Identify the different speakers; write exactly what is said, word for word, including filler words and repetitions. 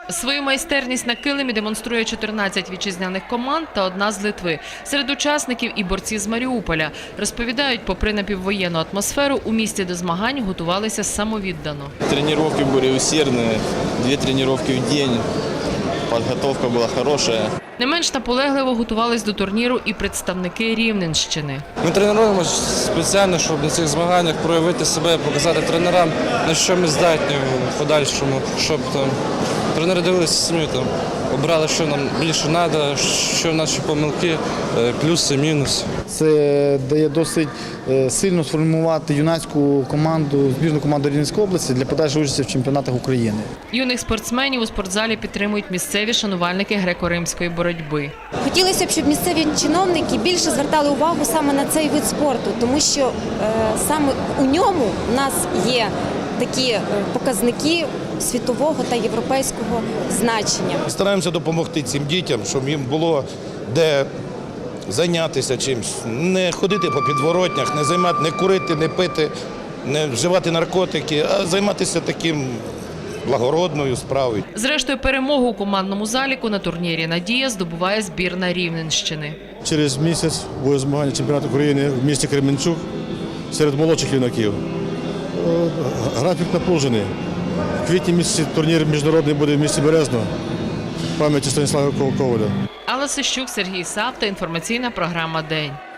Speaker 1: Свою майстерність на килимі демонструє чотирнадцять вітчизняних команд та одна з Литви. Серед учасників і борці з Маріуполя. Розповідають, попри напіввоєнну атмосферу, у місті до змагань готувалися самовіддано.
Speaker 2: Тренування були усердні, дві тренування в день, підготовка була хороша.
Speaker 1: Не менш наполегливо готувались до турніру і представники Рівненщини.
Speaker 3: Ми тренуємося спеціально, щоб на цих змаганнях проявити себе, показати тренерам, на що ми здатні в подальшому, щоб там тренери дивилися самі, там, обрали, що нам більше треба, що наші помилки, плюси, мінуси.
Speaker 4: Це дає досить сильно сформувати юнацьку команду, збірну команду Рівненської області для подальшої участі в чемпіонатах України.
Speaker 1: Юних спортсменів у спортзалі підтримують місцеві шанувальники греко-римської боротьби.
Speaker 5: Хотілося б, щоб місцеві чиновники більше звертали увагу саме на цей вид спорту, тому що е, саме у ньому в нас є такі показники світового та європейського значення.
Speaker 6: Стараємося допомогти цим дітям, щоб їм було де зайнятися чимось, не ходити по підворотнях, не займати, не курити, не пити, не вживати наркотики, а займатися таким благородною справою.
Speaker 1: Зрештою, перемогу у командному заліку на турнірі «Надія» здобуває збірна Рівненщини.
Speaker 7: Через місяць буде змагання чемпіонату України в місті Кременчук серед молодших юнаків. Графік напружений. В квітні місяці турнір міжнародний буде в місті Березно в пам'яті Станіслава Коваля.
Speaker 1: Алла Сищук, Сергій Савта, інформаційна програма «День».